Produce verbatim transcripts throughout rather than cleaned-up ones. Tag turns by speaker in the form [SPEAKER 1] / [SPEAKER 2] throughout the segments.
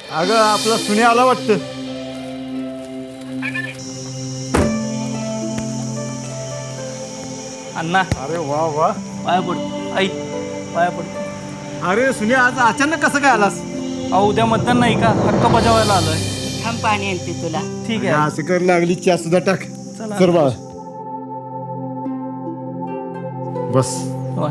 [SPEAKER 1] अगं आपला सुने आला वाटतं.
[SPEAKER 2] अण्णा
[SPEAKER 1] अरे वा वा.
[SPEAKER 2] पाया पड आई पाया पड.
[SPEAKER 1] अरे सुने आज अचानक कसं काय आलास?
[SPEAKER 2] अहो उद्या मतदान नाही का, हक्क बजावायला आलोय.
[SPEAKER 3] थांब पाणी आणते तुला.
[SPEAKER 2] ठीक
[SPEAKER 1] अगं,
[SPEAKER 2] आहे
[SPEAKER 1] असं कर लागली चहा सुद्धा टाक.
[SPEAKER 2] चला.
[SPEAKER 1] कर बाळा बस.
[SPEAKER 2] हो.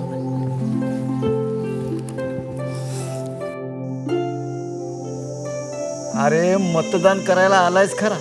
[SPEAKER 1] अरे मतदान करायला आलायस खरा,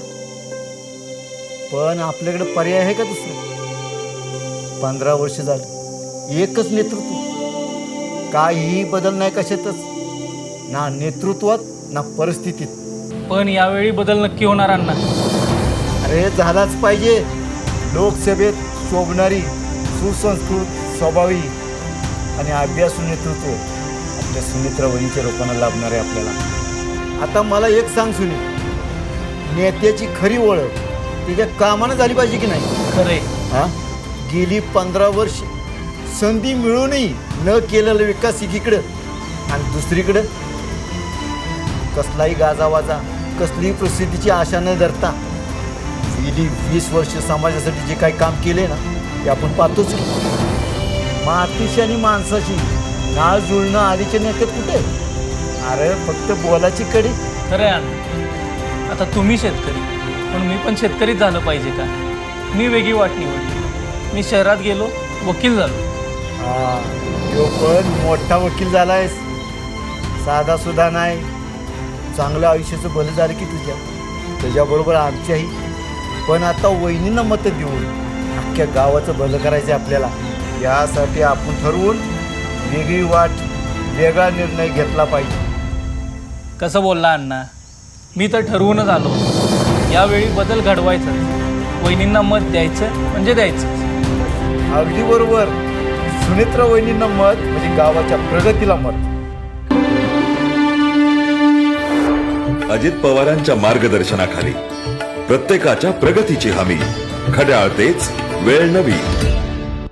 [SPEAKER 1] पण आपल्याकडे पर्याय आहे का दुसरा? पंधरा वर्ष झाली एकच नेतृत्व, काहीही बदल नाही कशातच, ना नेतृत्वात ना परिस्थितीत.
[SPEAKER 2] पण यावेळी बदल नक्की होणार अण्णा.
[SPEAKER 1] अरे झालाच पाहिजे. लोकसभेत शोभणारी सुसंस्कृत स्वभावी आणि अभ्यासू नेतृत्व आपल्या सुमित्रा वहिनीच्या लोकांना लाभणार आहे आपल्याला. आता मला एक सांग सुनी, नेत्याची खरी ओळख त्याच्या कामानं झाली पाहिजे की नाही?
[SPEAKER 2] खरे
[SPEAKER 1] हा, गेली पंधरा वर्ष संधी मिळूनही न केलेला विकास एकीकडं आणि दुसरीकडं कसलाही गाजावाजा, कसलीही प्रसिद्धीची आशा न धरता गेली वीस वर्ष समाजासाठी जे काही काम केले ना ते आपण पाहतोच की. मातीशी आणि माणसाची नाळ जुळणं आधीच्या नेत्यात कुठे? अरे फक्त बोलाची कडी.
[SPEAKER 2] खरं आहे अण्णा. आता तुम्ही शेतकरी, पण मी पण शेतकरीच झालं पाहिजे का? मी वेगळी वाट निवडली. मी शहरात गेलो, वकील झालो.
[SPEAKER 1] हा, तो पण मोठा वकील झालायस, साधा सुद्धा नाही. चांगलं आयुष्याचं भलं झालं की तुझ्या त्याच्याबरोबर आमच्याही. पण आता वहिनींना मतं देऊन अख्ख्या गावाचं भलं करायचं आहे आपल्याला. यासाठी आपण ठरवून वेगळी वाट, वेगळा निर्णय घेतला पाहिजे.
[SPEAKER 2] कसं बोलला अण्णा? मी तर ठरवूनच आलो. यावेळी बदल घडवायचा, वहिनींना मत द्यायचं म्हणजे द्यायचं.
[SPEAKER 1] अगदी बरोबर. सुनेत्रा वहिनींना मत म्हणजे गावाच्या प्रगतीला मत.
[SPEAKER 4] अजित पवारांच्या मार्गदर्शनाखाली प्रत्येकाच्या प्रगतीची हमी. घड्याळ तेच, वेळ नवी.